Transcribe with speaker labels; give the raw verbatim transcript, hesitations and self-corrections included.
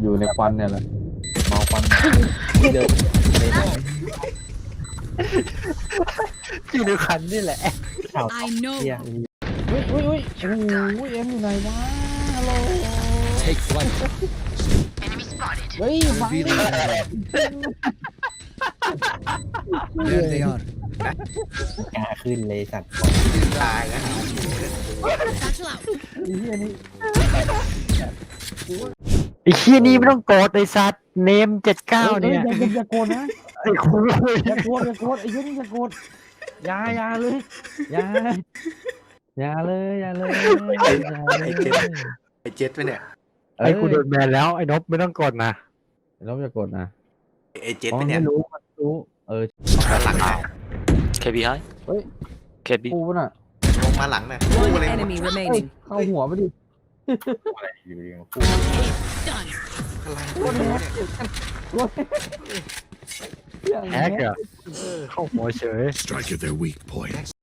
Speaker 1: อยู่ในควันเนี่ยแหละเมาควันเดินเดิน
Speaker 2: อยู่ในคันนี่แหละ
Speaker 3: I know.
Speaker 2: เฮีย
Speaker 1: อุ้ยอุ้ยอุ้ยโอ้โหเอ็มอยู่ไหนวะฮัลโหล
Speaker 4: Take flight.
Speaker 1: เฮ้ยฟังดิ
Speaker 4: There they are.
Speaker 2: กล้าขึ้นเลยสัตว์
Speaker 5: ตายนะ
Speaker 3: Satchel out.
Speaker 1: ไอ้เหี้ยนี่
Speaker 2: ไอ้เฮียนี่ไม่ต้องโกรธไอ้สัตว์เนมเจ็ดเก้าเนี่ย
Speaker 1: อย่าอย่าโกรธนะ
Speaker 2: ไอ้คุย
Speaker 1: อย่าโกรธอย่าโกรธไอ้เหี้ยนี่อย่าโกรธอย่าอย่าเลยอย่าอย่าเลยอย่าเลยอย่าเลย
Speaker 5: ไอ้เจ็ดไอ้เจ็ดไปเนี่ย
Speaker 2: ไอ้กูโดนแบนแล้วไอ้นบไม่ต้องโกรธนะ
Speaker 1: เราอย่าโกรธนะ
Speaker 5: ไอ้เจ็ด
Speaker 1: อ๋อ
Speaker 5: ไปเนี่ย
Speaker 1: ไม่รู้มันรู้เออ
Speaker 5: มาหลังน่ะ
Speaker 6: K B high.
Speaker 1: เฮ้ย
Speaker 6: K B.
Speaker 1: กูน่ะ
Speaker 5: ลงมาหลังน่ะกู
Speaker 3: One
Speaker 5: อะไร
Speaker 3: enemy
Speaker 1: เฮ้ย
Speaker 3: remaining.
Speaker 1: เข้าหัวไปดิ
Speaker 3: Done.
Speaker 1: อย่าง
Speaker 2: แฮก
Speaker 1: เงี้ย
Speaker 2: อะเข้าหัวเฉย
Speaker 4: Strike at their weak point.